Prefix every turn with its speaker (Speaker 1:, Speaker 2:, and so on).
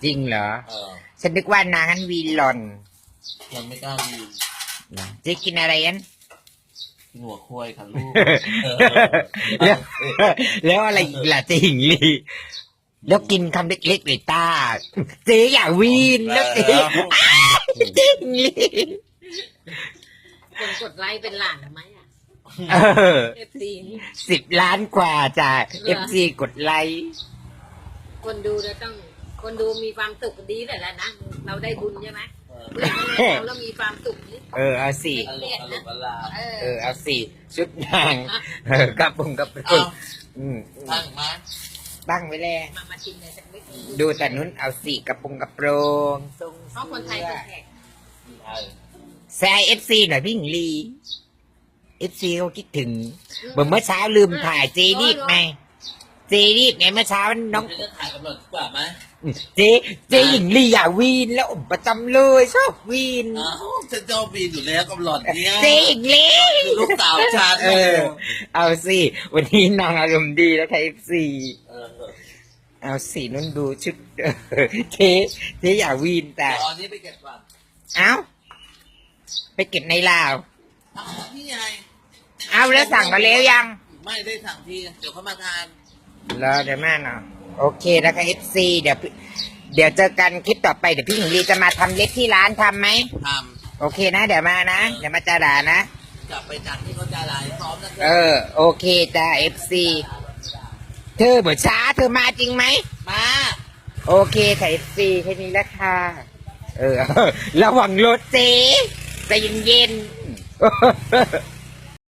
Speaker 1: จริงเหรอฉันนึกว่านางนั้นวีลอน
Speaker 2: ยังไม่กล้าวีน
Speaker 1: นะเจ๊กินอะไรยัน
Speaker 2: กินหัวควายค่ะลูก
Speaker 1: แล้วอะไรอีกล่ะเจ๊หญิงลีแล้วกินคำเล็กๆเลยตาเจ๊อยากวีนแล้วเจ๊หญิงลี
Speaker 3: คนกดไลค์เป็นหลานทำไมอ่ะFC
Speaker 1: 10 ล้านกว่าจ้ะ FC กดไลค์
Speaker 3: คนดูเราต้องคนดูมีความสุขดีแต่ละนะเราได้บุญใช่ไหมเพื่อนเรามีความสุขนี่
Speaker 1: เอาสิ เอาสิชุดนางกระปุงกระปุก
Speaker 2: ตั้งมา
Speaker 1: ตั้งไว้แล้ว
Speaker 3: มาชิมเลยสักนิด
Speaker 1: ดูแต่นู้นเอาสิกระปุงกระโปรง
Speaker 3: เพราะคนไทยเป็นแขก
Speaker 1: แซ่FC หน่อยพี่หญิงลี FC เขาคิดถึงเมื่อเช้าลืมถ่ายเจรีบไงเมื่อเช้าน้อง
Speaker 2: จะถ่ายกำหนดกว่าไหม
Speaker 1: เจหญิงลีอยากวีนแล้วประจำเลยชอบวีน
Speaker 2: ฉันชอบวีนอยู่แล้วกำหนดเนี้ย
Speaker 1: เจหญิงลี
Speaker 2: ลูกสาวฉัน
Speaker 1: เอาสิวันนี้นางอารมณ์ดีแล้วค่ะ FC เอาสินุ่นดูชุดเจอยากวีนแต่
Speaker 2: ตอนนี้ไปเก็บก่อน
Speaker 1: เอาไปเก็บในลาว
Speaker 2: นี่ไง
Speaker 1: เอาแล้วสั่งมาแล้วยัง
Speaker 2: ไม่ได้สั่งทีเดี๋ยวเขามาทาน
Speaker 1: แล้วเดี๋ยวแม่เนาะโอเคนะคะ FC เดี๋ยวเจอกันคลิปต่อไปเดี๋ยวพี่หญิงลีจะมาทำเล็กที่ร้านทำไหม
Speaker 2: ท
Speaker 1: ำโอเคนะเดี๋ยวมานะเดี๋ยวมาจ่าด่านะ
Speaker 2: กลับไปจากที่เขาจ่าด่าพร้อม
Speaker 1: นะโอเคจ้า FC เธอเหมือนช้าเธอมาจริงไหม
Speaker 2: มา
Speaker 1: โอเคค่ะ FC แค่นี้แล้วค่ะระวังรถเจ๊ใจเย็นๆ